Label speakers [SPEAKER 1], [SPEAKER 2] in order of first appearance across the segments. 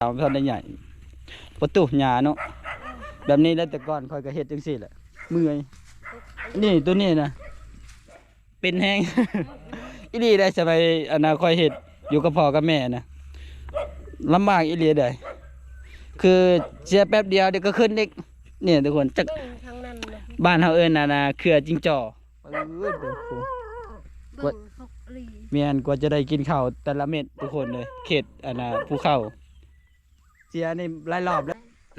[SPEAKER 1] ตามท่านได้ใหญ่ประตูหญ้าเนาะแบบนี้แล้วแต่ก่อนคอยก็เฮ็ดจังซี่แหละเมื่อยนี่ตัวนี้นะเป็นแห้ง อีหลีได้สมัยอนาคอยเฮ็ดอยู่กับพ่อกับแม่นะลำบากอีหลีได้คือเสียแป๊บเดียวเดี๋ยวก็ขึ้นอีกเนี่ยทุกคนจักบ้านเฮาเอิ้นน่ะเครือจิงจ่อเมียนกว่าจะได้กินข้าวแต่ละเม็ดทุกคนเลยเขตภูเขาเสียนี่หลายรอบแล้ว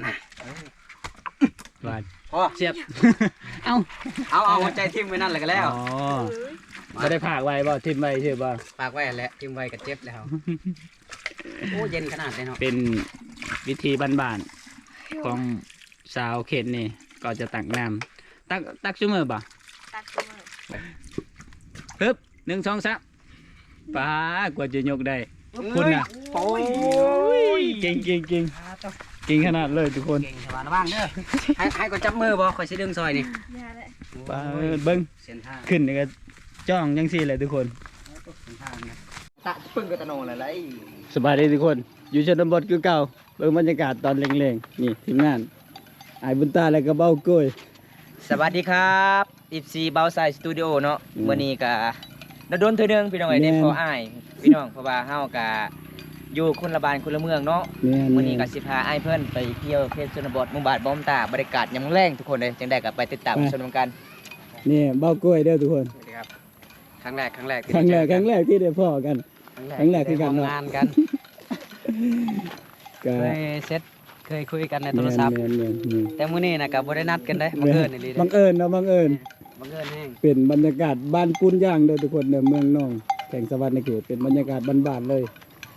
[SPEAKER 1] หวานเสียบ
[SPEAKER 2] เอาหัวใจทิ่มไว้นั่นแหละก็แล้ว
[SPEAKER 1] อ๋อไม่ได้ผากไว้บ่ทิ่มไว้ใช่บ่
[SPEAKER 2] ปากไว้แหละทิ่มไว้ก็เจ็บแล้วโอ้เย็นขนาดเลยเนาะ
[SPEAKER 1] เป็นวิธีบ้านๆของสาวเขตนี่ก็จะตักน้ำตักชั่วโมงบ่
[SPEAKER 3] ตักชั่วโมง
[SPEAKER 1] ฮึบ1 2 3ป้ากว่าจะยกได้คุณน่ะ
[SPEAKER 2] โอ้ย
[SPEAKER 1] เก่งขนาดเลยทุกคน
[SPEAKER 2] เก่งสบายนะบ้างเด้อให้ก็จับมือบ่คอยสิดึงซอยนี่
[SPEAKER 1] ป้าเบิ้งขึ้นนี่ก็จ้องยังซี่เลยทุกคน
[SPEAKER 2] ตะปึ้งก็ตะโนอะไร
[SPEAKER 1] สบายดีทุกคนอยู่ชนบทคือเก่าเบิ่งบรรยากาศตอนเร่งๆนี่ทีมงานไอ้บุญตาและก็เบ้าก้อย
[SPEAKER 2] สวัสดีครับ14เบาไซสตูดิโอเนาะมื้อนี้ก็โดนเทื่อนึงพี่น้องไอ้เด็กพออ้ายพี่น้องเพราะว่าเฮาก็อยู่คนละบ้านคนละเมืองเนาะมื้อนี้ก็สิพาอ้ายเพิ่นไปเที่ยวเขตชนบทหมู่บ้านบ้อมตาบรรยากาศยามแลงทุกคนเลยจังได๋ก็ไปติดตามชมกัน
[SPEAKER 1] นี่เบ้าก้อยเด้อทุกคน
[SPEAKER 2] ครับครั้งแรก
[SPEAKER 1] ที่ได้พ่อกันครั้งแรกที่กัน
[SPEAKER 2] งานกันเคยคุยกันในโทรศัพท์แต่มื้อนี้น่ะก็บ่ได้นัดกันได้บังเอิญนี่
[SPEAKER 1] บังเอิญ
[SPEAKER 2] แฮง
[SPEAKER 1] เป็นบรรยากาศบ้านปุ้นย่างเด้อทุกคนเด้อเมืองน้องแข่งสวัสดิ์ในเขตเป็นบรรยากาศบ้านๆเลย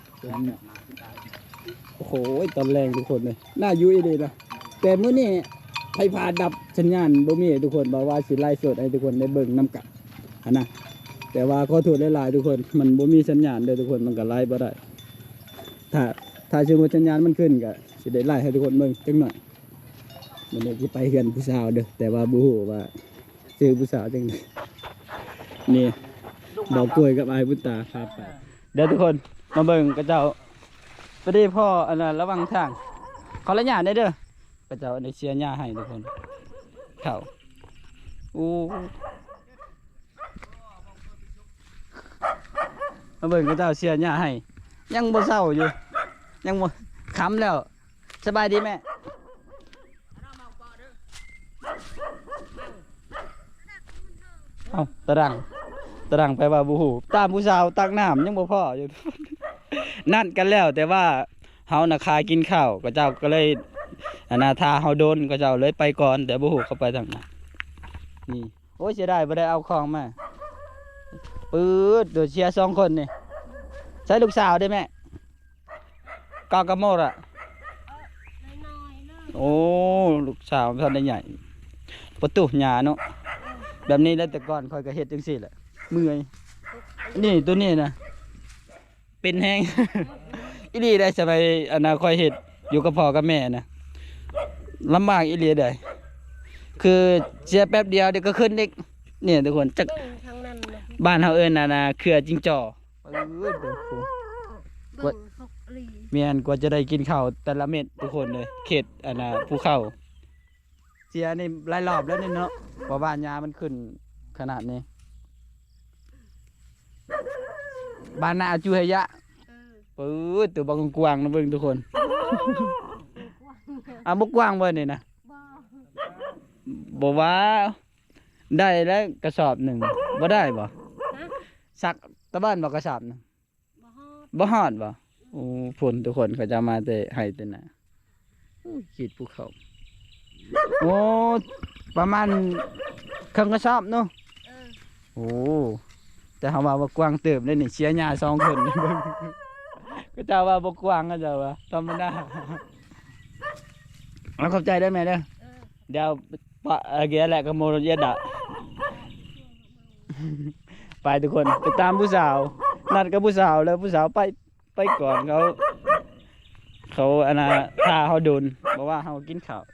[SPEAKER 1] โอ้โหตอนแรงทุกคนเลยน่าอยู่อีหลีนะแต่มื้อนี้ไฟฟ้าดับสัญญาณบ่มีทุกคนบอกว่าสิไลฟ์สดให้ทุกคนได้เบิ่งนำกันนะแต่ว่าขอโทษหลายๆทุกคนมันบ่มีสัญญาณเด้อทุกคนมันก็ไลฟ์บ่ได้ถ้าสมมุติสัญญาณมันขึ้นก็สิได้ไลฟ์ให้ทุกคนเบิ่งจังหน่อยมันนี้สิไปเฮือนผู้สาวเด้อแต่ว่าบ่ฮู้ว่าชื่อผู้สาวจังได๋นี่ดอกกล้วยกับอ้ายบุญตาครับไปเดี๋ยวทุกคนมาเบิ่งกระเจ้าพอดีพ่อระวังทางขอละหญ้าได้เด้อกระเจ้าได้เชียร์หญ้าให้ทุกคนเข้าอู้มาเบิ่งกระเจ้าเชียร์หญ้าให้ยังบ่เศร้าอยู่ยังบ่ค้ำแล้วสบายดีแม่เอาตะรังไปว่าบูหูตามผู้สาวตักน้ำยังบ่พออยู่ นั่นกันแล้วแต่ว่าเฮาน่ะคากินข้าวก็เจ้าก็เลยทาเฮาโดนก็เจ้าเลยไปก่อนแต่บูหูเข้าไปทางนั้นนี่โอ้ยเสียดายบ่ได้เอาของมาปื๊ดเดี๋ยวเชียร์2คนนี่ใช้ลูกสาวได้ไหมกากระโมดอ่ะโอ้ลูกสาวท่านได้ใหญ่ประตูหญ้าเนาะแบบนี้แล้วแต่ก่อนคอยก็เฮ็ดจังซี่แหละเมื่อยนี่ตัวนี้นะเป็นแห้ง อีหลีได้สมัยอนาคอยเฮ็ดอยู่กับพ่อกับแม่นะลำบากอีหลีได้คือเสียแป๊บเดียวเดี๋ยวก็ขึ้นอีกเนี่ยทุกคนจักบ้านเฮาเอิ้นน่ะเครือจิงจ่อเมียนกว่าจะได้กินข้าวแต่ละเม็ดทุกคนเลยเขตภูเขาเสียนี่หลายรอบแล้วนี่เนาะเพราะว่าหญ้ามันขึ้นขนาดนี้บ้านนาจูเฮยะปื๊ดตัวบางกวางนะเบิ่งทุกคนบกกวางเบิ่งนี่นะบอกว่าได้แล้วกระสอบหนึ่งบ่ได้บ่สักตะบ้านบ่กระสอบนึงบ่ฮอดบ่โอ้ฝนทุกคนเขาจะมาแต่ให้แต่น่ะขีดภูเขาโอ้ประมาณครึ่งกระสอบเนาะโอ้แต่เขาว่าบกวางเติมได้นี่เชียร์หญ้า2คนนี่เบิ่งก็เจ้าว่าบกวางก็เจ้าว่าธรรมดาเอาเข้าใจได้ไหมเด้อเดี๋ยวปะเกียร์แหละก็โมรเยดะไปทุกคนไปตามผู้สาวนัดกับผู้สาวแล้วผู้สาวไปก่อนเขาพาเขาโดนบอกว่าเขากินข้าว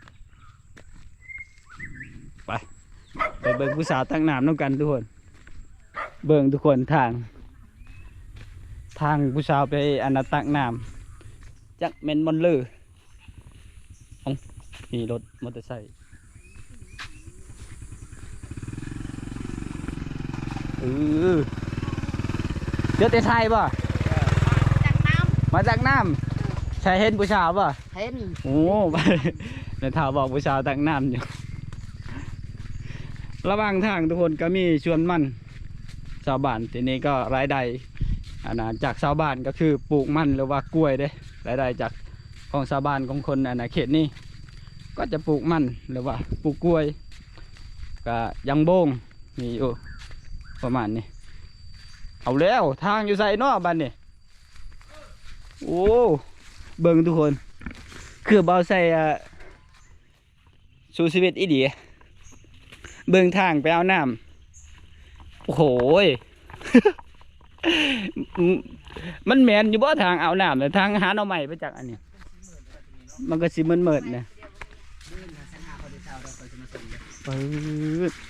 [SPEAKER 1] ไปเบิ่งผู้สาวตั้งน้ำน้ำกันทุกคนเบิ่งทุกคนทางผู้สาวไปตักน้ำจักแม่นมอนเลอร์มีรถมอเตอร์ไซค์เจอแต่ไทยป่ะมาจากน้ำชายเห็นผู้ชายป่ะ
[SPEAKER 3] เห็น
[SPEAKER 1] โอ้ในถาวบอกผู้ชายตักน้ำอยู่ระหว่างทางทุกคนก็มีชวนมันชาวบ้านทีนี้ก็รายได้จากชาวบ้านก็คือปลูกมันหรือว่ากล้วยเด้รายได้จากของชาวบ้านของคนเขตนี้ก็จะปลูกมันหรือว่าปลูกกล้วยก็ยังโบงมีอยู่ประมาณนี้เอาแล้วทางอยู่ใส่นอกบ้านนี่โอ้เบิ่งทุกคนคือเบาใส่สู่ชีวิตอีดีเบิ่งทางไปเอาน้ำโอ้โห มันแมนอยู่บ่ทางเอาน้ำแต่ทางหาหน่อใหม่ไปจากอันนี้มันก็สิเหมือนเนี่ยปื๊ด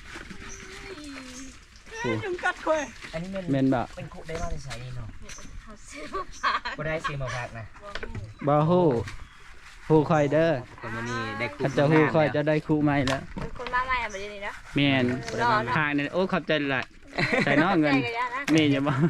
[SPEAKER 2] อันนี้
[SPEAKER 1] แมนบ่
[SPEAKER 2] เป็นคุได้มาในสายนี้เนาะก็ได้ซื้อมาพักนะ
[SPEAKER 1] บ่ฮู้ฮู้คอยเด้อ
[SPEAKER 2] แต่วันนี้ได้คุ
[SPEAKER 1] ถ้าจะฮู้คอยจะได้คู่ใหม่แล้ว
[SPEAKER 3] เป็นคนมาใหม่แบบนี้นะ
[SPEAKER 1] แมนทางนี่โอ้ขอบใจหลายใส่น้อเงินนี่อย่าบ่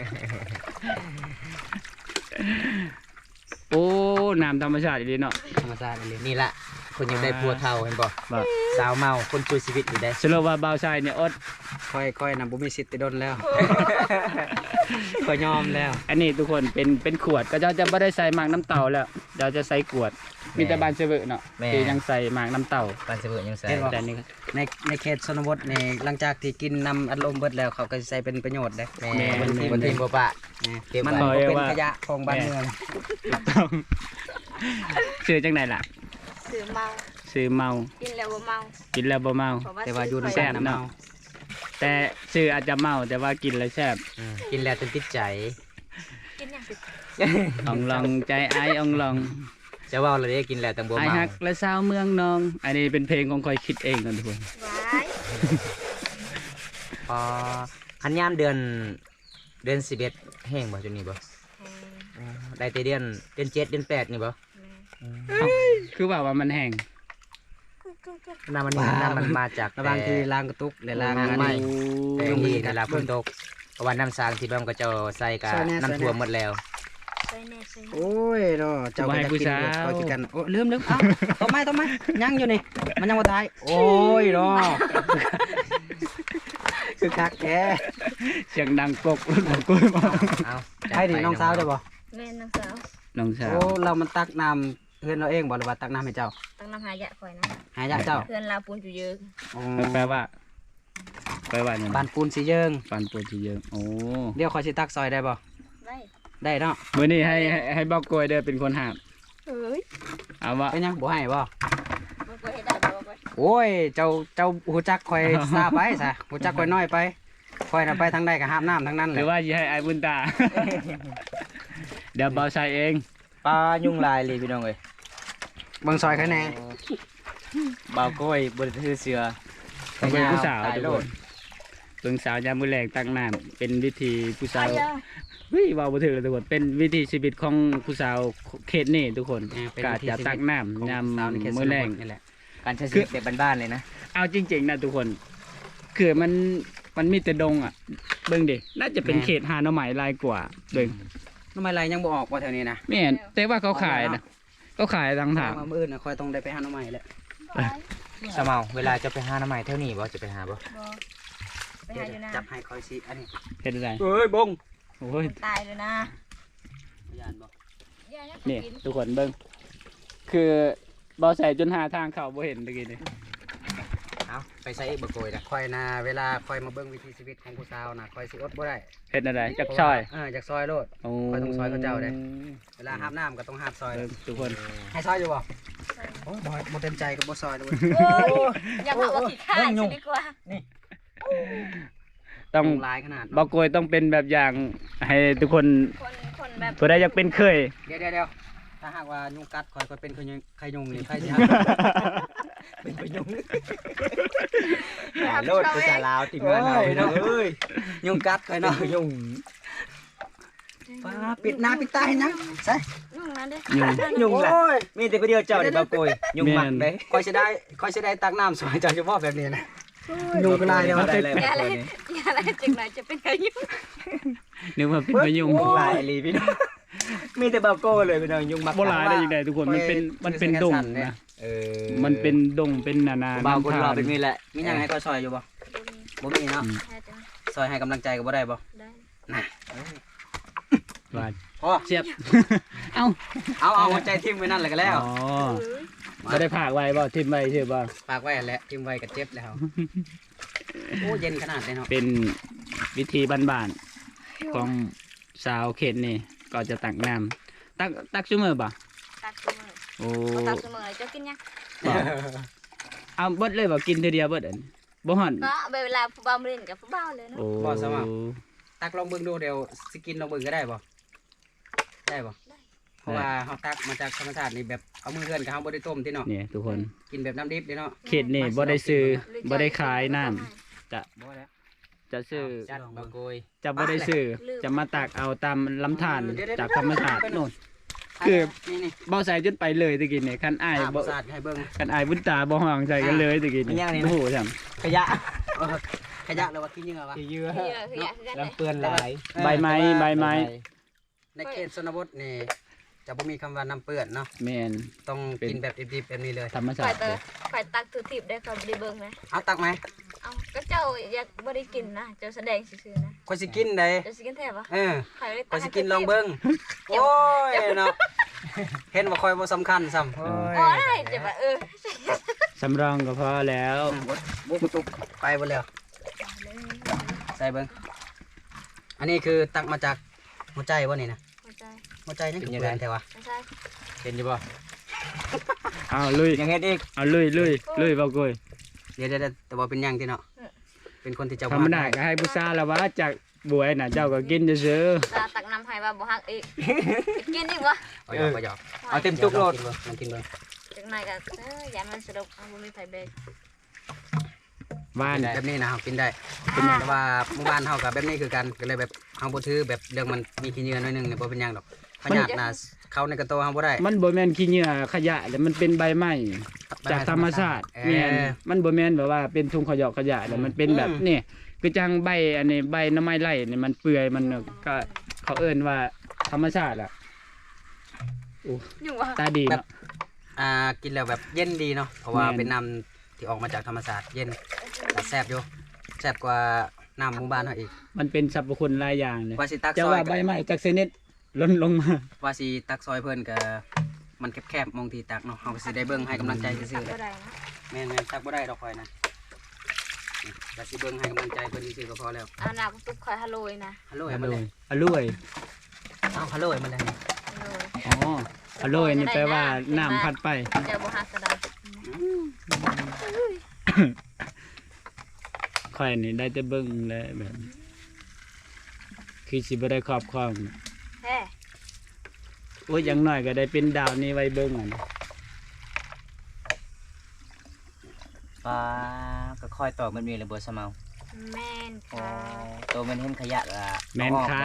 [SPEAKER 1] โอ้น้ำธรรมชาติดีเนาะ
[SPEAKER 2] ธรรมชาติเลยนี่แหละคนยังได้พัวเท่าเห็นบ่
[SPEAKER 1] บ่
[SPEAKER 2] สาวเมาคนช่วยชีวิตอยู่ได้
[SPEAKER 1] สรุปว่าบ่าวชายเนี่ยอด
[SPEAKER 2] ค่อยๆนะบุมีสิทธิ์ติดดนแล้วค่อยยอมแล้ว
[SPEAKER 1] อันนี้ทุกคนเป็นขวดก็จะไม่ได้ใส่หมากน้ำเต่าแล้วเดี๋ยวจะใส่ขวดมีแต่บานเซเวอร์เนาะที่ยังใส่หมากน้ำเต่า
[SPEAKER 2] ปานเสบิยังใส่
[SPEAKER 1] แต่นี่ก็
[SPEAKER 4] ในเขตชนบทนี่หลังจากที่กินนำอัดลมเบิดแล้วเขาก็สิใช้เป็นประโยชน์ได้
[SPEAKER 2] แม่บนทีมบ่ปะเก็บ
[SPEAKER 4] มัน
[SPEAKER 2] ไว้
[SPEAKER 4] บ่เป็นขยะของบ้านเมือง
[SPEAKER 1] ต้องชื่อจังไหนล่ะ
[SPEAKER 3] สื่อเมา
[SPEAKER 1] ชื่อเมา
[SPEAKER 3] กินแล้วบ่เมา
[SPEAKER 1] กินแล้วบ่เมา
[SPEAKER 4] แต่ว่าอยู่ใน
[SPEAKER 1] แซ่
[SPEAKER 4] แซ่
[SPEAKER 1] บ
[SPEAKER 4] น้ำ
[SPEAKER 1] เนาะ
[SPEAKER 4] เมา
[SPEAKER 1] แต่ชื่ออาจจะเมาแต่ว่ากินแล้วแซ่บ
[SPEAKER 2] กินแล้วจนติดใจ
[SPEAKER 3] กินอย่างติด
[SPEAKER 1] อ่องลองใจไอ้อ่องลอง
[SPEAKER 2] จะว่าเราได้กินแล้วตังบัว
[SPEAKER 1] ไอ้
[SPEAKER 2] เมา
[SPEAKER 1] ฮักและสาวเมืองนอง อันนี้เป็นเพลงของคอยคิดเองนะทุกคน
[SPEAKER 3] ไว้
[SPEAKER 2] พอคันยามเดือน11แห้งบ่จนนี้บ่ได้แต่เดือน7เดือน8นี่บ่
[SPEAKER 1] คือว่ามันแห้ง
[SPEAKER 2] น้ำมันมาจาก
[SPEAKER 4] ระหว่างที่ล้างกระตุกและล้างอัน
[SPEAKER 2] ไม่
[SPEAKER 4] นี้
[SPEAKER 2] แต่ที่เวลาฝนตกเพราะว่าน้ำสางที่บ้านก็จะใส่กับน้ำท่วมหมดแล้ว
[SPEAKER 3] ใส่แน่ใส่แน่
[SPEAKER 4] โอ้ยเนาะเจ้าก็จะกินเด็ดก็กินกันโอ้ลืมเอ้าต้มไหมยังอยู่นี่มันยังบ่ตายโอ้ยเนาะคือคักแก
[SPEAKER 1] เสียงดังกกรถของกุ้ยมา
[SPEAKER 2] เอา
[SPEAKER 4] ให้ดิน้องสาวเจ้าบ่
[SPEAKER 3] แม่น้องสาว
[SPEAKER 1] น้องสาว
[SPEAKER 4] โอ้เรามันตักน้ำเพื่อนเราเองบ่หรือว่าตักน้ำให้เจ้า
[SPEAKER 3] ตั้งน้ำหายะคอยนะ
[SPEAKER 4] หายากเจ้า
[SPEAKER 3] เพื่อนเราปูนอยู่เยอะ
[SPEAKER 4] อ๋อ
[SPEAKER 1] แปลว่าเนี่ย
[SPEAKER 4] บ้านปูนสีเยิง
[SPEAKER 1] ปันปวดจีเยอะโอ้
[SPEAKER 4] เดี๋ยวขอสิตักซอยได้บ่
[SPEAKER 3] ได้
[SPEAKER 4] ได้เนาะ
[SPEAKER 1] มื้อนี้ให้บอกกล้วยเด้อเป็นคนหาบ
[SPEAKER 3] เฮ้ย
[SPEAKER 1] เอาว่า
[SPEAKER 4] เป็นยังบ่ให้บ่
[SPEAKER 3] มันก็เห็นได้บ่บ่
[SPEAKER 4] โอ้ยเจ้าหูจักคอยซาไปซะหูจักคอยน้อยไปคอยน่ะไปทางใดก็หาบน้ำทางนั้น
[SPEAKER 1] ห
[SPEAKER 4] แห
[SPEAKER 1] รื
[SPEAKER 4] ละ
[SPEAKER 1] อว่าสิให้ไอ้บุญตา เดี๋ยวเบาใส่เอง
[SPEAKER 2] ปลายุ่งลายเลยพี่น้องเอ้ย
[SPEAKER 4] เบิ่งซอยคะแนน
[SPEAKER 2] บ่าวก้อยบนถือเสือ
[SPEAKER 1] ต้องเป็นผู้สาว
[SPEAKER 2] ตาย
[SPEAKER 1] ทุก
[SPEAKER 2] โล
[SPEAKER 1] ค
[SPEAKER 2] ด
[SPEAKER 1] นเบิ่งสาวยามมื้อแลงตั้งน้ำเป็นวิธีผู้สาว
[SPEAKER 3] ยะ
[SPEAKER 1] เฮ้ยเว้าบ่ถือเลยทุกคนเป็นวิธีชีวิตของผู้สาวเขตนี้ทุกคนกาจะตักน้ำยาม
[SPEAKER 4] สาวในเขตช
[SPEAKER 1] มื้อน แร
[SPEAKER 4] บ
[SPEAKER 1] ง
[SPEAKER 4] ทนี่แหละ
[SPEAKER 2] การใช้ชีวิตแบบบ้านๆเลยนะ
[SPEAKER 1] เอาจริงๆนะทุกคนคือมันมีแต่ดงอ่ะเบิ่งดิน่าจะเป็นเขตหาหน่อไม้ลายกว่าเบิ่ง
[SPEAKER 4] น้ำไม้ไรยังบ่ออกว่าแถวนี้นะ
[SPEAKER 1] แม่นแต่ว่าเขาขายนะเขาขายทางทาง
[SPEAKER 4] มามื้ออื่นน่ะคอยต้องได้ไปหาน้ำไม้แหละ
[SPEAKER 2] สมาวเวลาจะไปหาน้ำใหม่เท่านี้บ่จะไปหาบ่
[SPEAKER 3] บ่ไป
[SPEAKER 4] เดี๋ย
[SPEAKER 3] หาว อยู่นะ
[SPEAKER 4] จับให้คอยสิอันนี้
[SPEAKER 1] เฮ็ดอะไร
[SPEAKER 4] เอ้ยบง
[SPEAKER 1] โอ้ย
[SPEAKER 3] ตายเลยนะ
[SPEAKER 4] ยานบ่
[SPEAKER 3] ย่ายัง
[SPEAKER 1] นี่
[SPEAKER 3] กิน
[SPEAKER 1] ทุกคนเบิ่งคือบ่ใส่จนหาทางเข้าบ่เห็นตะกี้นี่
[SPEAKER 2] เอาไปใส่บ่โกยนะ
[SPEAKER 4] คอยน่ะเวลาคอยมาเบิ่งวิถีชีวิตของผู้สาวน่ะคอยสิอดบ่ได้
[SPEAKER 1] เฮ็ดอะไรจักซอย
[SPEAKER 4] จากซอยโลด
[SPEAKER 1] โอ้
[SPEAKER 4] ข้อยต้องซอยเขาเจ้าเด้ เวลาหาบน้ำก็ต้องหาบซอย
[SPEAKER 1] เบิ่งทุกคน
[SPEAKER 4] ให้ซอยอยู่บ่โอ้ยบ่เต็มใจก็บ่ซอยเลย
[SPEAKER 3] โอ้ยอย่าบอกว่าขี้ข้าจะดีกว่า
[SPEAKER 1] ต้อง
[SPEAKER 4] หลายขนาด
[SPEAKER 1] บ่กวยต้องเป็นแบบอย่างให้ทุกคน
[SPEAKER 3] คนแบบ
[SPEAKER 1] ผู้ใดอยากเป็นเคย
[SPEAKER 4] เดี๋ยวถ้าหากว่ายุงกัดคอยก็เป็นไข่ยุงนี่ไข่สิหาเป็นไข่ยุง
[SPEAKER 2] โลดภาษาลาวติดงานเอาพี่น้องเอ้ย
[SPEAKER 4] ยุงกัดคอยเนาะ
[SPEAKER 2] ยุ่ง
[SPEAKER 4] ฟ้าปิดหน้าปิดตาเห็นยังใส่
[SPEAKER 3] ยุ่งนะเด้
[SPEAKER 2] ยุงล่ะ
[SPEAKER 4] โอ้ย
[SPEAKER 2] มีแต่ผู้เดียวเจ้าได้บ่โกยยุงมักเด้
[SPEAKER 4] คอยสิได้ตักน้ำสวยเจ้าเฉพาะแบบนี้นะยุงก็ลายเดียว
[SPEAKER 2] ได้เลย
[SPEAKER 3] อย่าอะไรอย่าอะไรจึงไหนจะเป็นอายุ
[SPEAKER 1] นึกว่าเป็นพายุง
[SPEAKER 2] ลายอีหลีพี่น้องมีแต่บ่โกยเลยพี่น้องยุงมัก
[SPEAKER 1] บ่หลายได้ยังไงทุกคนมันเป็นดงนะ มันเป็นดงเป็นนา
[SPEAKER 2] บ่าวคนรอเป็นนี่แหละ
[SPEAKER 4] มีหยังให้ก็ซอยอยู่บ่บ่มีเนาะ
[SPEAKER 3] แค่จะ
[SPEAKER 4] ซอยให้กำลังใจก็บ่ได้บ่
[SPEAKER 3] ได้
[SPEAKER 4] น่ะ
[SPEAKER 1] ว่า
[SPEAKER 4] พอ
[SPEAKER 1] เสียบเอ้า
[SPEAKER 4] เอาหัวใจทิ่มไว้นั่นแหละก็แล้ว
[SPEAKER 1] อ๋อบ่ได้พากไว้บ่ทิ่มไว้ใช่บ่
[SPEAKER 4] ฝากไว้แหละทิ่มไว้ก็เจ็บแล้วโอ้เย็นขนาดเลยเนาะ
[SPEAKER 1] เป็นวิธีบ้านๆของชาวเขตนี่ก็จะตักน้ำตักชั่วโมงบ่
[SPEAKER 3] ตักเสมอ
[SPEAKER 1] โอ้
[SPEAKER 3] ตักเสมอจะกินยัง
[SPEAKER 1] บ่เอาเบิดเลยบ่กินเทื่อเดียวเบิดอันบ่ฮ้อน
[SPEAKER 3] ก็เวลาผู้บ่าวมาเล่นกับผู้บ่าวเลยเนาะ
[SPEAKER 1] โอ้
[SPEAKER 4] ตักลองเบิ่งดูเดี๋ยวสิกินลองเบิ่งก็ได้บ่ได้บ่เพราะว่าเฮาตักมาจากธรรมชาตินี่แบบเอามือเฮือนกับเฮาบ่ได้ต้มติเนาะ
[SPEAKER 1] เนี่ยทุกคน
[SPEAKER 4] กินแบบน้ำดิบเด้เนาะ
[SPEAKER 1] เขตนี่บ่ได้ซื้อบ่ได้ขายน้ำจะ
[SPEAKER 4] บ่แล้ว
[SPEAKER 1] จะซื้อ
[SPEAKER 4] จัดบ่โกย
[SPEAKER 1] จะบ่ได้ซื้อจะมาตักเอาตามลำธารจากธรรมชาติโน่น คือ
[SPEAKER 4] นี่
[SPEAKER 1] บ่ใส่จนไปเลยตะกี้นี่คันอ้าย
[SPEAKER 4] บ่
[SPEAKER 1] บ่
[SPEAKER 4] สาดให้เบิ่ง
[SPEAKER 1] คันอ้ายบุญตาบ่ห้องใจกันเลยตะกี้นี่โอ้โหจัง
[SPEAKER 2] ขยะ
[SPEAKER 4] เออขยะแล้วว่ากินยังไงวะ
[SPEAKER 2] เยอะ
[SPEAKER 3] คืออยากคือกันเลย
[SPEAKER 2] เปื้อนหลาย
[SPEAKER 1] ใบไม้
[SPEAKER 4] ในเขตชนบทนี่จะบ่มีคำว่าน้ำเปื้อนเนาะ
[SPEAKER 1] แม่น
[SPEAKER 4] ต้องกินแบบดิบๆแบบนี้เลย
[SPEAKER 1] ธรรมชา
[SPEAKER 3] ข่อย
[SPEAKER 1] ติ
[SPEAKER 3] เตอข่อยตักถือทิพย์ได้ข่อยบ่ได้เบิ่งนะ
[SPEAKER 4] เอาตักไหม
[SPEAKER 3] เอาก็เจ้าอยากบ่ได้กินนะเจ้าแสดงซื่อๆนะ
[SPEAKER 4] ข่อยสิกินได้
[SPEAKER 3] เจ้าสิกินแท้ปะ
[SPEAKER 4] เออ
[SPEAKER 3] ข่อยเลย
[SPEAKER 4] ข่อยสิกินลองเบิ่งโอ้ยเนาะเห็นว่าข่อยบ่สำคัญซ้ำ
[SPEAKER 3] โอ้ได้จะว่า
[SPEAKER 1] สำรองก็พอแล้ว
[SPEAKER 4] บุกตุกไปบ่แล้วใส่เบิ่งอันนี้คือตักมาจากหัวใจบ่นี่นะ
[SPEAKER 3] หัวใจ
[SPEAKER 4] หัวใจนี่คือเปื้อนแต่ว่า
[SPEAKER 3] ไม่ใช่
[SPEAKER 4] เห็นอยู่บ่
[SPEAKER 1] เอาลุย
[SPEAKER 2] ยังไงอีก
[SPEAKER 1] เอาลุยบ่กล้วย
[SPEAKER 4] เดี๋ยวแต่ว่าเป็นหยังที่เนาะเป็นคนที่เจ้า
[SPEAKER 1] ธรรมดาก็ให้ผู้ชายละว่าจากบวยน่ะเจ้าก็กินซื่อ
[SPEAKER 3] ตาตักน้ำให้ว่าบ่ฮักอีกกินอีกวะ
[SPEAKER 4] เอาหยอกเอาหยอก
[SPEAKER 2] เอาเต็มจุกโลด
[SPEAKER 4] ลองกินเบิ่ง
[SPEAKER 3] จังไหนก็อย่ามันสะดกเอาบ่มีไผเบรก
[SPEAKER 1] ๆบ้าน
[SPEAKER 4] แบบนี้นะเฮากินได้แต่ว่าหมู่บ้านเฮากับแบบนี้คือกันก็เลยแบบเฮาบ่ถือแบบเรื่องมันมีขี้เหงื่อหน่อยหนึงเนี่ยบ่เป็นหยังดอกขยะน่ะเข้าในกระโตเฮาบ่ได้
[SPEAKER 1] มันบ่แม่นขี้เหงื่อขยะแต่มันเป็นใบไม้จากธรรมชาติแม่นมันบ่แม่นแบบว่าเป็นถุงขยะแต่มันเป็นแบบนี่คือจังใบอันนี้ใบหน้ำไม้ไร่นี่มันเปื่อยมันก็เขาเอิ้นว่าธรรมชาติอ่ะ
[SPEAKER 3] อยู่วะ
[SPEAKER 1] ตาดีเนาะ
[SPEAKER 4] กินแล้วแบบเย็นดีเนาะเพราะว่าเป็นน้ำที่ออกมาจากธรรมชาติเย็นแต่แซ่บอยู่แซ่บกว่าน้ำหมู่บ้านเฮาอีก
[SPEAKER 1] มันเป็นสรรพคุณหลายอย่างเลย
[SPEAKER 4] ว่าสิตัก
[SPEAKER 1] จะ
[SPEAKER 4] ซอย
[SPEAKER 1] ว่าใบไม้จากชนิดล้นลงมา
[SPEAKER 4] ว่าสิตักซอยเพิ่นก็มันแคบๆมองที่ตักเนาะเฮาก็สิได้เบิ่งให้กำลังใจซื่อๆแห
[SPEAKER 3] ก็
[SPEAKER 4] ละ
[SPEAKER 3] ได้นะ
[SPEAKER 4] แม่นๆตักบ่ได้ดอกข่อยนะแต่สิเบิ่งให้กำลังใจเพิ่นซื่อๆก็พอแล้ว
[SPEAKER 3] เอาหน้าตุ๊กคอยฮัลโหลนะ
[SPEAKER 4] ฮัลโหล
[SPEAKER 1] อ
[SPEAKER 4] ให้มัน
[SPEAKER 1] ร่
[SPEAKER 4] เล
[SPEAKER 1] อย
[SPEAKER 4] ย
[SPEAKER 1] อร่อย
[SPEAKER 4] เอาฮัลโหลให้มันเลย
[SPEAKER 3] ฮัลโหล
[SPEAKER 1] อ๋ออร่อยนี่แปลว่าน้ำพัดไป
[SPEAKER 3] เจ้าบ่ฮักก็ได้
[SPEAKER 1] ค่อยนี่ได้แต่เบิ่งและแบบคือสิบ่ได้ครอบครอง
[SPEAKER 3] แฮ่
[SPEAKER 1] โอ้ยอย่างน้อยก็ได้เป็นดาวนี้ไว้เบิ่งอ่ะนะ
[SPEAKER 2] ฟ้าก็ค่อยตอกมันมีเลยบ่สมาว
[SPEAKER 3] แม่น
[SPEAKER 2] อ๋อ
[SPEAKER 3] ค่ะ
[SPEAKER 2] ตัวมันเห็นขยะละ
[SPEAKER 1] แม่นค่า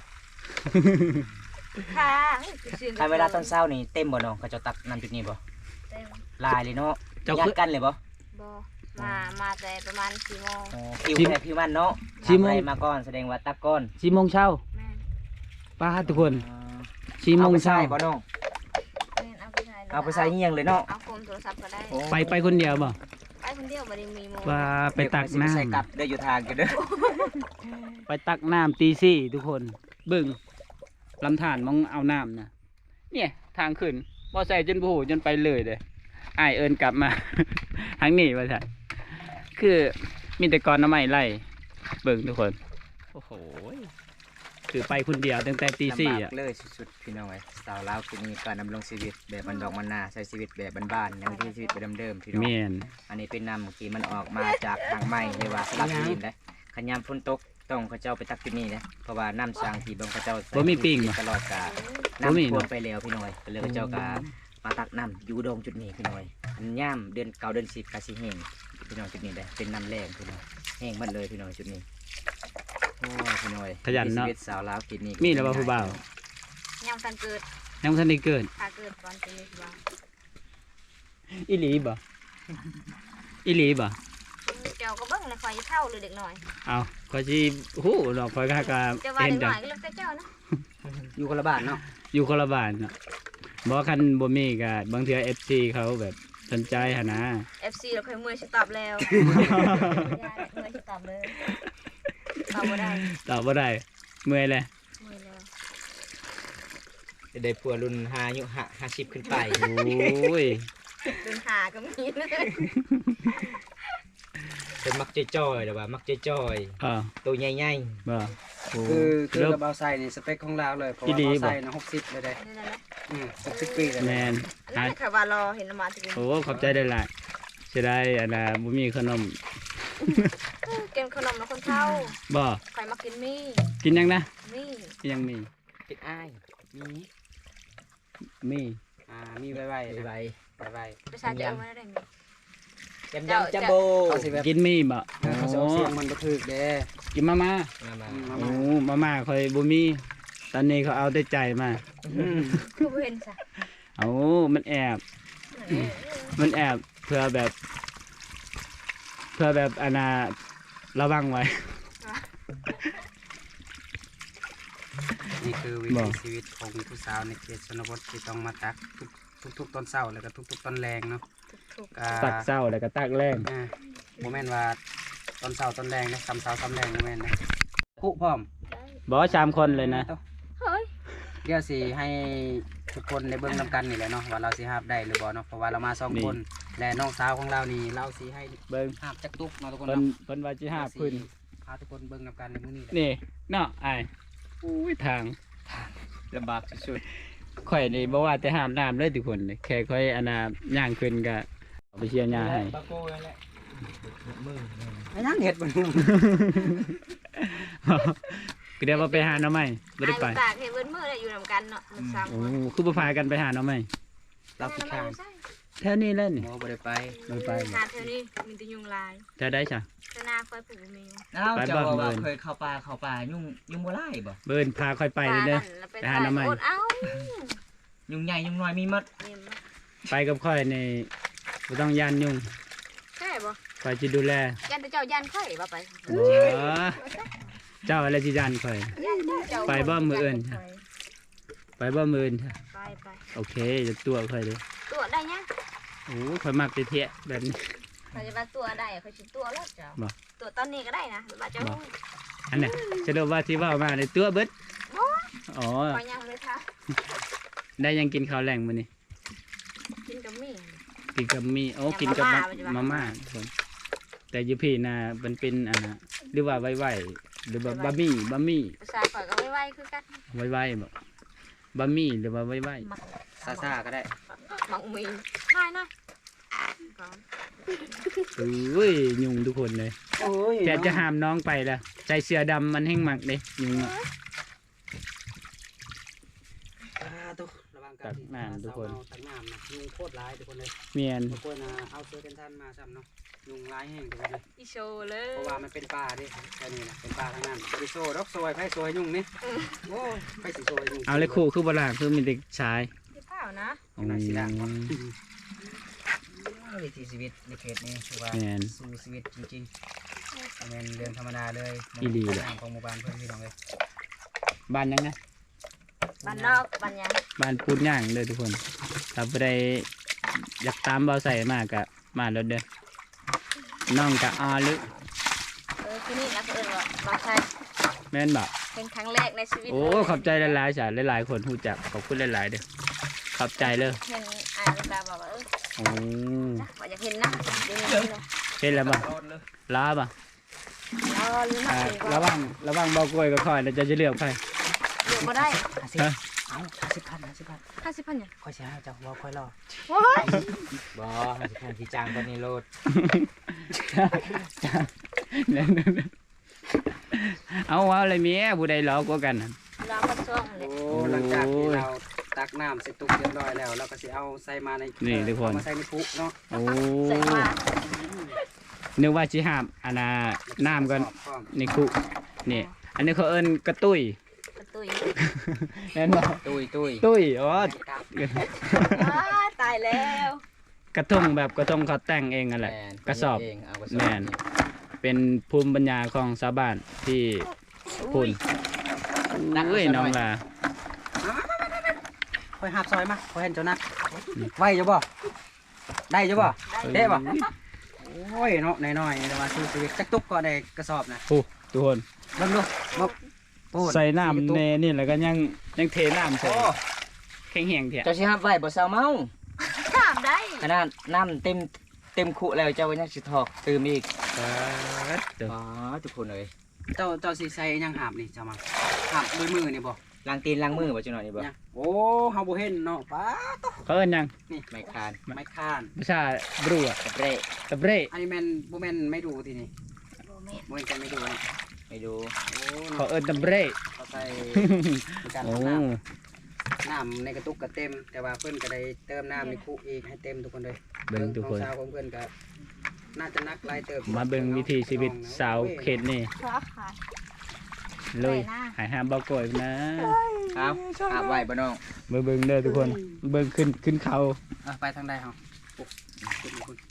[SPEAKER 3] ค่ะ
[SPEAKER 2] ถ้าเวลาตอนเช้านี่เต็มบ่น้องเขาเจะตักน้ำจุดนี้บ่ลายเลยเนาะ
[SPEAKER 1] เจ้า
[SPEAKER 2] ยั
[SPEAKER 1] คื
[SPEAKER 2] ด
[SPEAKER 1] อ
[SPEAKER 2] กันเลยบ่
[SPEAKER 3] บ่มาแต่ประมาณ4 โมง
[SPEAKER 2] อ๋อคิวแค่คิวมันเนาะ
[SPEAKER 1] สี่โมง
[SPEAKER 2] ทำอะไรมาก่อนแสดงว่าตักก่อน
[SPEAKER 1] 4 โมงเช้า
[SPEAKER 3] แม่น
[SPEAKER 1] ป้าทุกคน
[SPEAKER 2] อ๋อ
[SPEAKER 1] 4 โมง
[SPEAKER 2] ไป
[SPEAKER 1] เช้า
[SPEAKER 2] ใส่บ่น้อง
[SPEAKER 3] แม่นเอาไปใส่
[SPEAKER 2] เอาไปใส่เงียงเลยเนาะ
[SPEAKER 3] เอาโฟมโทรศัพท์ก็ได้
[SPEAKER 2] โอ้
[SPEAKER 1] ไปคนเดียวบ่
[SPEAKER 3] ไปคนเดียวบ่ได้มีโม
[SPEAKER 1] ว่าไปตัก
[SPEAKER 2] เดี๋ยวสิไปใส่กลับ
[SPEAKER 1] น้ำ
[SPEAKER 2] เด้ออยู่ทางกันเด้อ
[SPEAKER 1] ไปตักน้ำตีสี่ทุกคนเบิ่งลำธารมองเอาน้ำนะเนี่ยทางขึ้นบ่ใส่จนโผล่จนไปเลยเด้อ้ายเอินกลับมา ทางนี้ว่าใช่คือมีแต่กอนน้ำไม้ไล่เบิ่งทุกคน โอ้โหคือไปคนเดียวตั้งแต่ตีสี่
[SPEAKER 2] ลำบา
[SPEAKER 1] อ่ะ
[SPEAKER 2] กเลยสุดๆพี่น้องเอ้ยสาวลาวคือมีการดำรงชีวิตแบบบันดอกมันนาใช้ชีวิตแบบบ้านๆยังที่ชีวิตแบบเดิมๆพี่น้อง
[SPEAKER 1] แม่น
[SPEAKER 2] อันนี้เป็นน้ำที่มันออกมาจากทางไม้เรียกว่าสลับดินเลยขยามฝนตกต้องเขาเจ้าไปตักที่นี่นะเพราะว่าน้ำสร้างที่บงเขาเจ้าใส่
[SPEAKER 1] บ่มีปิ่ง
[SPEAKER 2] ตลอดกา
[SPEAKER 1] บ่มี
[SPEAKER 2] น้ำท่วม
[SPEAKER 1] เนาะ
[SPEAKER 2] ไปแล้วพี่น้อยก็เลยเขาเจ้าก็มาตักน้ำอยู่ดงจุดนี้พี่น้อยอันย่ามเดือนเก่าเดือน10กาสิแห้งพี่น้องจุดนี้ได้เป็นน้ำแรงพี่น้องแห้งหมดเลยพี่น้องจุดนี้โอ้พี่น้อย
[SPEAKER 1] ขยันเนาะ
[SPEAKER 2] ชีวิตสาวลาวกินนี่
[SPEAKER 1] มีแล้วบ่ผู้บ่าว
[SPEAKER 3] ยังทันเกิด
[SPEAKER 1] ยังบ่ทันได้เกิด
[SPEAKER 3] ถ้าเกิดก่อนจะมีบ่าว
[SPEAKER 1] อีหลีบ่อีหลีบ่
[SPEAKER 3] เจ้าก็เบิ่งเลยคอยเท่าหรือเด็กน้อย
[SPEAKER 1] เอาก็สิฮู้ดอกคอยก็
[SPEAKER 3] เจ้าว่า
[SPEAKER 1] เห็น
[SPEAKER 3] เด็ก
[SPEAKER 1] จ้ะ
[SPEAKER 3] น้อยก็แล้วแต่เจ้านะ
[SPEAKER 4] อยู่คนละบ้านเนาะ
[SPEAKER 1] อยู่คนละบ้านเนาะบ่คันบ่มีก็บางเทื่อ FC เขาแบบสนใจหั่นนะ
[SPEAKER 3] FC เราเคยเมื่อยสิตอบแล้วยายเมื่อยสิตอบเลยตอบบ่ได้
[SPEAKER 1] ตอบบ่ได้เมื่อยเลย
[SPEAKER 3] เมื่อยแล้ว
[SPEAKER 2] ได้ผัวรุ่น5อายุ50ขึ้นไป
[SPEAKER 1] โอ้ย
[SPEAKER 3] เดินหาก็มีเลย
[SPEAKER 2] เป็นมักจ้อยๆหรือว่ามักจ้อย
[SPEAKER 1] อ่า
[SPEAKER 2] ๆตัวใหญ่
[SPEAKER 1] บ่โอ้
[SPEAKER 4] คือ
[SPEAKER 1] เริ่ม
[SPEAKER 4] กระเบาไส้นี่สเปคของเราเลยเพราะ
[SPEAKER 1] อี
[SPEAKER 4] ว่า
[SPEAKER 1] ดี
[SPEAKER 4] เบา
[SPEAKER 1] บ่
[SPEAKER 4] ไส้นะ60เลยได้
[SPEAKER 3] นี่นั่นแหละ
[SPEAKER 4] 60ปีเลย
[SPEAKER 1] แม่น
[SPEAKER 3] อันนั้นค่ะว่ารอเห็นมาถึง
[SPEAKER 1] โอ้ขอบใจได้หลายสิได้อันน่ะบ่มีขนม
[SPEAKER 3] กินขนมแล้วคนเฒ่า
[SPEAKER 1] บ่
[SPEAKER 3] ใครมากินมี่
[SPEAKER 1] กินยังนะ
[SPEAKER 3] มี่
[SPEAKER 1] ยังมี
[SPEAKER 2] ๆเป็นอ้ายมี
[SPEAKER 1] มี
[SPEAKER 4] มีไว้ไว้
[SPEAKER 2] ใบ
[SPEAKER 4] ไว้
[SPEAKER 3] ประชาชนเอามาได้มี
[SPEAKER 2] ยำจัมโบ
[SPEAKER 4] เขาสิแบบ
[SPEAKER 1] กินมีบ่
[SPEAKER 4] เขาสิ
[SPEAKER 1] โอ้
[SPEAKER 4] เอาเสียงมันบ่ถูกเด้
[SPEAKER 1] กินมาม่า
[SPEAKER 2] มา
[SPEAKER 1] โอ้มาม่าค่อยบ่มีตอนนี้เขาเอาแต่ใจมา
[SPEAKER 3] คือบ่เห็นซะ
[SPEAKER 1] เอามันแอบ มันแอบเพื่อแบบอันน่ะระวังไว้
[SPEAKER 4] นี่คือวิ
[SPEAKER 1] บ่
[SPEAKER 4] ถีชีวิตของผู้สาวในเขตชนบทที่ต้องมาตักทุกตอนเช้าแล้วก็ทุกๆตอนแรงเนาะ
[SPEAKER 3] ถูก
[SPEAKER 4] ก็
[SPEAKER 1] ตักเศร้าแล้วก็ตักแรง
[SPEAKER 4] บ่แม่นว่าตอนเช้าตอนแรงนะซ้ำเช้าซ้ำแรงบ่แม่นนะคุพร้อม
[SPEAKER 1] บ่3คนเลยนะ
[SPEAKER 3] เฮ้ย
[SPEAKER 4] เดี๋ยวสิให้ทุกคนได้เบิ่งนำกันนี่แหละเนาะว่าเราสิหาบได้หรือบ่เนาะเพราะว่าเรามาสองคนและน้องสาวของเรานี่เราสิให้
[SPEAKER 1] เบิ่ง
[SPEAKER 4] หาบจักตุกเนาะทุกคน
[SPEAKER 1] เพิ่น
[SPEAKER 4] เนาะ
[SPEAKER 1] เพิ่นว่าสิหาพื้น
[SPEAKER 4] พาทุกคนเบิ่งนำกันในมื้อนี้แหละ
[SPEAKER 1] นี่เนาะอ้ายอุ้ยทาง
[SPEAKER 2] ลำบากสุด
[SPEAKER 1] ข่อยนี่บ่ว่าแต่ห้ามน้ำเลยทุกคนเลยแค่ข่อยอันน่ะย่างขึ้นก็เอาไปเชียร์ยาให้
[SPEAKER 2] ๆปาโก้นั่นแหละมือ
[SPEAKER 4] ไอ้นั่งเฮ็ดบ่
[SPEAKER 1] ก็เดี๋ยวว่าไปหาหน่อไม้บ่ได้ไป
[SPEAKER 3] ตากเห็นเบิ้นมือได้อยู่นำกันเนาะมันสาม
[SPEAKER 1] โอ้
[SPEAKER 3] คน
[SPEAKER 1] คือบ่พากันไปหาหน่อไม้
[SPEAKER 4] เราขี้ข้าน
[SPEAKER 1] แถวนี้แหละนี่
[SPEAKER 4] โอ้บ่ได้ไป
[SPEAKER 1] บ่ไปบ่
[SPEAKER 3] หาเท่านี้มีแต่ยุงลาย
[SPEAKER 1] แถวใดจ้ะ
[SPEAKER 3] เท่าหน้าคอยปลูกมี
[SPEAKER 2] เอ้า
[SPEAKER 1] ไป
[SPEAKER 2] เจ้า
[SPEAKER 1] บ้าน
[SPEAKER 2] ว่า
[SPEAKER 1] เบิ่น
[SPEAKER 2] เคยเข้าป่ายุ่งบ่ไล่บ่
[SPEAKER 1] เบิ่นพาข่อยไปเลยเด้อ ไปหาหน่อไม้
[SPEAKER 3] เอ้า
[SPEAKER 2] ยุ่งใหญ่ยุ่งน้อยมีหมด
[SPEAKER 3] เนี่ยมา
[SPEAKER 1] ไปกับข่อยนี่บ่ต้องย่านยุ่ง
[SPEAKER 3] ใช่บ่
[SPEAKER 1] ข่อยสิดูแล
[SPEAKER 3] ยันแต่เจ้ายันค่อยบ่ไป
[SPEAKER 1] อ๋อเจ้าอะไรสิย่านข่อย
[SPEAKER 3] ยันเจ้า
[SPEAKER 1] ไปบ่มื้ออื่น ไปบ่มื้ออื่นจ้ะ
[SPEAKER 3] ไปไป
[SPEAKER 1] โอเคจะตัวข่อยเด้อ
[SPEAKER 3] ตัวได้ยัง
[SPEAKER 1] โอ้ข่อยมักไปเทะแบบนี้
[SPEAKER 3] เขาจะว่าตัวได้เขาชิตัวแล้วเจ้า
[SPEAKER 1] บ่
[SPEAKER 3] ตัวตอนนี้ก็ได้นะว่าเจ้า
[SPEAKER 1] อันน่ะจะรู้ว่าที่ว่ามาในตัวเบิดอ๋อ
[SPEAKER 3] คอยยังเลยค่ะ
[SPEAKER 1] ได้ยังกินข้าวแรงมื้อนี้
[SPEAKER 3] กินกับมี่
[SPEAKER 1] กินกับมีโอ้กินกับมาม่าทุกคนแต่อยูพี่น่ะมันเป็นอันน่ะหรือว่าไวๆหรือว่าบะหมี่
[SPEAKER 3] ภาษาข่อยก็ไว้คือกัน
[SPEAKER 1] ไวๆบ่บะหมี่หรือว่าไว
[SPEAKER 3] มัก
[SPEAKER 4] ซ่าๆก็ได้
[SPEAKER 3] มักมีง่ายนะก่อน
[SPEAKER 1] ๆเอ้ยยุงทุกคนเลย
[SPEAKER 4] โอ้ย
[SPEAKER 1] แต่จะห้ามน้องไปละใจเสือดำมันแห้งมักเด้ยุงอะ
[SPEAKER 4] ตุ๊กระวังกัน
[SPEAKER 1] ตักน้ำทุกคน
[SPEAKER 4] ตักน้ำนะยุงโคตรร้ายทุกคนเลย
[SPEAKER 1] เมียน
[SPEAKER 4] ทุกคนเอาเสื้อกันท่านมาซ้ำเนาะยุงร้ายแห้งทุกคนเลย
[SPEAKER 3] อีโชว์เลย
[SPEAKER 4] เพราะว่ามันเป็นป่าดิแค่นี้นะเป็นป่าทั้งนั้นบริโซดอกซอยไผ่ซอยยุงนี่โอ้ยไผ่สีซอยยุง
[SPEAKER 1] เอาเลยคู่คือบ่ล่างคือมีแต่ชาย
[SPEAKER 3] ที่เปล่านะ
[SPEAKER 1] อืม
[SPEAKER 4] วิถีชีวิตในเขตนี้คือว่า
[SPEAKER 1] แม่น
[SPEAKER 4] สู้ชีวิตจริงๆเป็นเรื่องธรรมดาเลย
[SPEAKER 1] อีหลีเลย
[SPEAKER 4] ของหมู่บ้านเพื่อนพี่น้องเลย
[SPEAKER 1] บ้านยังนะ
[SPEAKER 3] บ้านนอกบ้านยัง
[SPEAKER 1] บ้านพูดย่างเด้อทุกคนถ้าบ่ได้อยากตามเบาใส่มากก็มาแล้วเด้อน้องกะอาลึ
[SPEAKER 3] ที่นี่นะเพื่อนว่าบางชัย
[SPEAKER 1] แม่นบ่
[SPEAKER 3] เป็นครั้งแรกในชีวิต
[SPEAKER 1] โอ้ขอบใจหลายๆจ้ะหลายๆคนรู้จักขอบคุณหลายๆเด้อขอบใจเลย
[SPEAKER 3] เห็นอ่านตาบอกว่า
[SPEAKER 1] โอ้
[SPEAKER 3] ว่าอยากเห็นนะเดี๋ยวนี้เลย
[SPEAKER 1] เห็นแล้วบ่
[SPEAKER 2] โดนเลย
[SPEAKER 1] ลาบ่
[SPEAKER 3] รอหรือไม่
[SPEAKER 1] ระวังเบากล้วยกับข่อยแล้วจะเลือกใคร
[SPEAKER 3] เดี๋ยวมาได้
[SPEAKER 1] ฮะ
[SPEAKER 4] เอา50,000
[SPEAKER 3] 50,000เนี่ย
[SPEAKER 4] ค่อยเสียให้เจ้าว่าค่อยรอ
[SPEAKER 3] ว้าย
[SPEAKER 2] บ่ให้สิแทนที่จ้างตอนนี้โลด
[SPEAKER 1] เอาอะไรเมียผู้ใดหลอกกว่ากันน่ะ
[SPEAKER 3] รอมาส่งเลย
[SPEAKER 4] โอ้หลังจากที่เราตักน้ำเสร็จตุกเรียบร้อยแล้วเราก็สิเอาใส่มาใน
[SPEAKER 1] นี่ทุกคน
[SPEAKER 4] เอามาใส่ในปุ๊เนาะ
[SPEAKER 1] โอ้
[SPEAKER 3] ใส่มา
[SPEAKER 1] นึกว่าสิหาบอันน่ะน้ำก่อน
[SPEAKER 4] พร้อม
[SPEAKER 1] นี่คุนี่อันนี้เขาเอิ้นกระตุ้ย
[SPEAKER 3] กระตุย
[SPEAKER 1] แม่นบ่
[SPEAKER 4] ตุ้ย
[SPEAKER 1] ตุ้ยอ๋อ
[SPEAKER 3] ตายแล้ว
[SPEAKER 1] กระทงแบบกระทงเขาแต่งเองนั่นแหละกระสอบ
[SPEAKER 4] เองเอากระสอบ
[SPEAKER 1] แม่น เป็นภูมิปัญญาของชาวบ้านที่พุ่นเอ้ยน้องล่ะ
[SPEAKER 4] คอยหับซอยมาคอยเห็นเจ้านักไหวจะบ่ได้จะบ่ได้บ่โอ้ยเนาะน้อยๆแต่ว่าสู้ชีวิตจักตุกก็ได้กระสอบนะ
[SPEAKER 1] โอ้ทุกคน
[SPEAKER 4] เบิ่งดูบ่โอ้
[SPEAKER 1] ใส่น้ำในนี่แล้วก็ยังเทน้ำใส่
[SPEAKER 2] โอ้
[SPEAKER 1] แข็งแห้งเถอะ
[SPEAKER 2] เจ้าสิฮับไว้บ่เซาเมา
[SPEAKER 3] ถามได้
[SPEAKER 2] ขนาดน้ำเต็มคุแล้วเจ้ายังสิถอกตื่มอีก
[SPEAKER 1] เด้อ
[SPEAKER 2] อ๋อทุกคนเอ้ย
[SPEAKER 4] เจ้าสิใส่หยังหาบนี่เจ้ามาหาบด้วยมือนี่บ่
[SPEAKER 2] ล้างตีนล้างมือบ่จังหน่อยนี่บ่
[SPEAKER 4] ยังโอ้เฮาบ่เห็นเนาะป้า
[SPEAKER 1] เขาเอิ้นหยัง
[SPEAKER 2] ไม่คาน
[SPEAKER 4] ไม้ค้าน
[SPEAKER 1] ภาษาบรูอะ
[SPEAKER 2] กระเร่
[SPEAKER 1] ตะเบร
[SPEAKER 4] อันนี้แม่นบ่แม่นไม่ดูทีนี่
[SPEAKER 3] โบเมน
[SPEAKER 4] บ่แม่นกันไม่ดูเนาะ
[SPEAKER 2] ไปดู
[SPEAKER 4] โอ้
[SPEAKER 1] เขาเอิ้นตะเบร
[SPEAKER 4] เขาใส่ในการ
[SPEAKER 1] โอ้
[SPEAKER 4] ทำน้ำในกระตุกก็เต็ม แต่ว่าเพิ่นก็ได้เติมน้ำในคุอีกให้เต็มทุกคนเลย
[SPEAKER 1] เบิ่งทุกคน
[SPEAKER 4] องสาวของเพิ่นก็น่าจะนักหลายเติม
[SPEAKER 1] มาเบิ่งวิถีชีวิตสาวเขตนี่
[SPEAKER 3] เพราะขาย
[SPEAKER 1] เลย
[SPEAKER 3] ไปนะ
[SPEAKER 1] หายห้ามเบาก่อยนะ
[SPEAKER 2] ครับอาบไว้บ่น้อง
[SPEAKER 1] เบิ่งเด้อทุกคน เบิ่งขึ้นเขา
[SPEAKER 4] ไปทางใดเฮาโอ้ขึ้นมาคุณ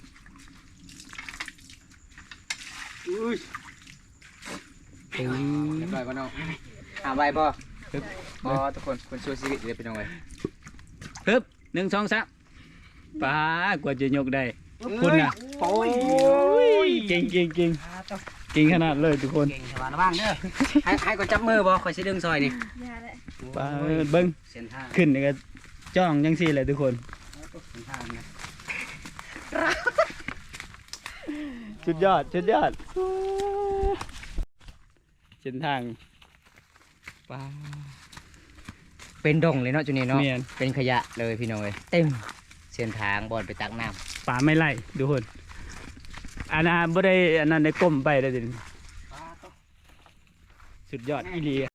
[SPEAKER 4] อุ้ย
[SPEAKER 1] อืม
[SPEAKER 2] เรียบร้อยบ่น้องอาบไว้บ่บ่ทุกคนคนสู้ชีวิตเลยพี่น้องเอ้ย
[SPEAKER 1] ฮึบ1 2 3ป้ากว่าจะยกได้ คุณน่ะ
[SPEAKER 4] โอ้ย
[SPEAKER 1] เก่งเก่งขนาดเลยทุกคน
[SPEAKER 4] เก่งแต่ว่าระวังเด้อให้ก็จับมือบ่ข่อยสิดึงซอยนี่
[SPEAKER 3] ยาเลย
[SPEAKER 1] ป้าเบิ่ง
[SPEAKER 4] เส้นทาง
[SPEAKER 1] ขึ้นนี่ก็จ้องจังซี่แหละทุกคน
[SPEAKER 4] เส้นทางนะ
[SPEAKER 1] สุดยอดเส้นทางป้า
[SPEAKER 2] เป็นดงเลยเนาะจุนี่เนาะ
[SPEAKER 1] แม่น
[SPEAKER 2] เป็นขยะเลยพี่น้องเอ้ยเต็มเส้นทางบอลไปตักน้ำ
[SPEAKER 1] ป่าไม่ไล่ทุกคนอันนั้นบ่ได้อันนั้นได้ก้มไปเลยดิสุดยอดอีหลี